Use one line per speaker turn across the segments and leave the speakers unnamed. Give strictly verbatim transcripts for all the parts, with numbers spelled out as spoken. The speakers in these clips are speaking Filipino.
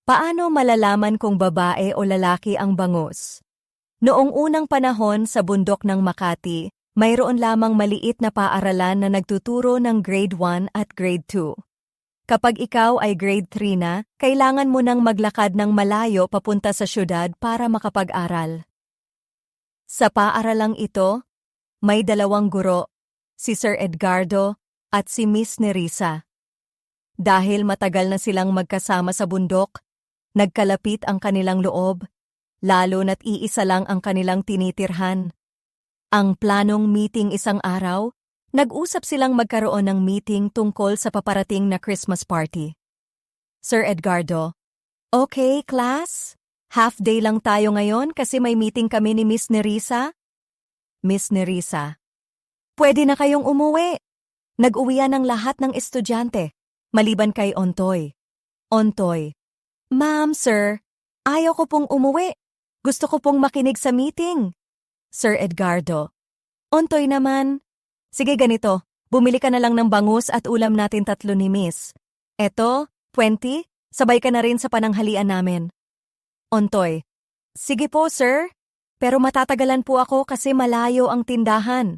Paano malalaman kung babae o lalaki ang bangus? Noong unang panahon sa bundok ng Makati, mayroon lamang maliit na paaralan na nagtuturo ng grade one at grade two. Kapag ikaw ay grade three na, kailangan mo nang maglakad ng malayo papunta sa syudad para makapag-aral. Sa paaralang ito, may dalawang guro, si Sir Edgardo at si Miss Nerissa. Dahil matagal na silang magkasama sa bundok, nagkalapit ang kanilang loob, lalo na't iisa lang ang kanilang tinitirhan. Ang planong meeting isang araw, nag-usap silang magkaroon ng meeting tungkol sa paparating na Christmas party. Sir Edgardo, "Okay, class? Half day lang tayo ngayon kasi may meeting kami ni Miss Nerissa." Miss Nerissa, "Pwede na kayong umuwi. Nag-uwian ng lahat ng estudyante, maliban kay Ontoy." Ontoy, "Ma'am, sir, ayaw ko pong umuwi. Gusto ko pong makinig sa meeting." Sir Edgardo, "Ontoy naman. Sige ganito, bumili ka na lang ng bangus at ulam natin tatlo ni Miss. Eto, twenty, sabay ka na rin sa pananghalian namin." Ontoy, "Sige po, sir. Pero matatagalan po ako kasi malayo ang tindahan."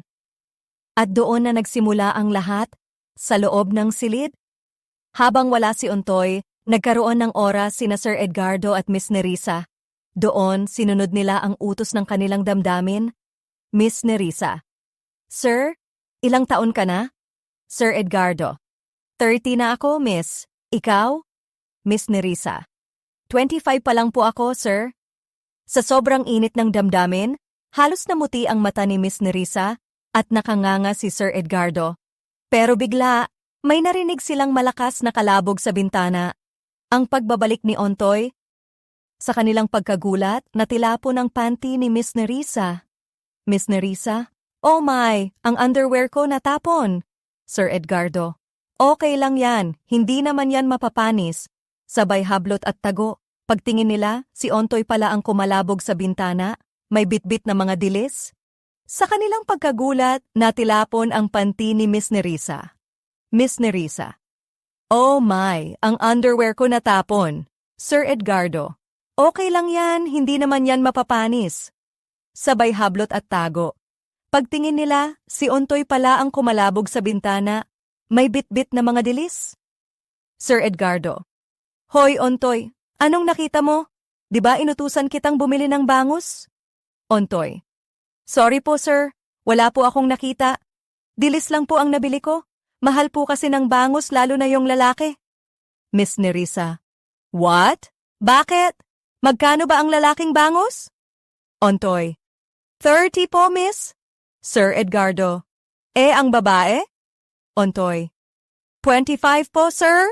At doon na nagsimula ang lahat, sa loob ng silid. Habang wala si Ontoy, nagkaroon ng oras sina Sir Edgardo at Miss Nerissa. Doon, sinunod nila ang utos ng kanilang damdamin. Miss Nerissa, "Sir, ilang taon ka na?" Sir Edgardo, thirty na ako, miss. Ikaw?" Miss Nerissa, twenty-five pa lang po ako, sir." Sa sobrang init ng damdamin, halos namuti ang mata ni Miss Nerissa at nakanganga si Sir Edgardo. Pero bigla, may narinig silang malakas na kalabog sa bintana. Ang pagbabalik ni Ontoy. Sa kanilang pagkagulat, natilapon ang panty ni Miss Nerissa. Miss Nerissa, "Oh my, ang underwear ko natapon." Sir Edgardo, "Okay lang yan, hindi naman yan mapapanis." Sabay hablot at tago. Pagtingin nila, si Ontoy pala ang kumalabog sa bintana, may bitbit na mga dilis. Sa kanilang pagkagulat, natilapon ang panty ni Miss Nerissa. Miss Nerissa, "Oh my, ang underwear ko natapon." Sir Edgardo, "Okay lang yan, hindi naman yan mapapanis." Sabay hablot at tago. Pagtingin nila, si Ontoy pala ang kumalabog sa bintana, may bitbit na mga dilis. Sir Edgardo, "Hoy Ontoy, anong nakita mo? Di ba inutusan kitang bumili ng bangus?" Ontoy, "Sorry po sir, wala po akong nakita. Dilis lang po ang nabili ko. Mahal po kasi ng bangus lalo na yung lalaki." Miss Nerissa, "What? Bakit? Magkano ba ang lalaking bangus?" Ontoy, thirty po, miss." Sir Edgardo, "Eh, ang babae?" Ontoy, twenty-five po, sir."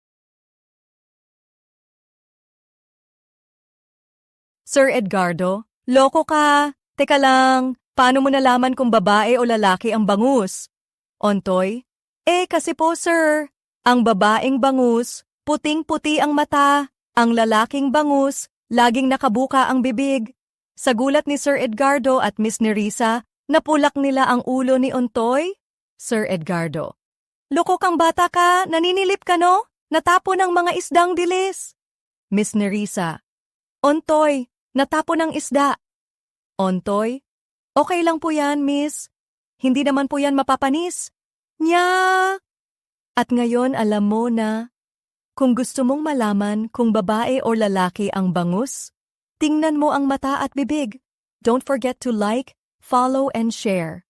Sir Edgardo, "Loko ka. Teka lang, paano mo nalaman kung babae o lalaki ang bangus?" Ontoy, "Eh, kasi po, sir, ang babaeng bangus, puting-puti ang mata. Ang lalaking bangus, laging nakabuka ang bibig." Sa gulat ni Sir Edgardo at Miss Nerissa, napulak nila ang ulo ni Ontoy. Sir Edgardo, "Loko kang bata ka, naninilip ka no? Natapo ng mga isdang dilis." Miss Nerissa, "Ontoy, natapo ng isda." Ontoy, "Okay lang po yan, miss. Hindi naman po yan mapapanis." Nya! At ngayon alam mo na, kung gusto mong malaman kung babae o lalaki ang bangus, tingnan mo ang mata at bibig. Don't forget to like, follow, and share.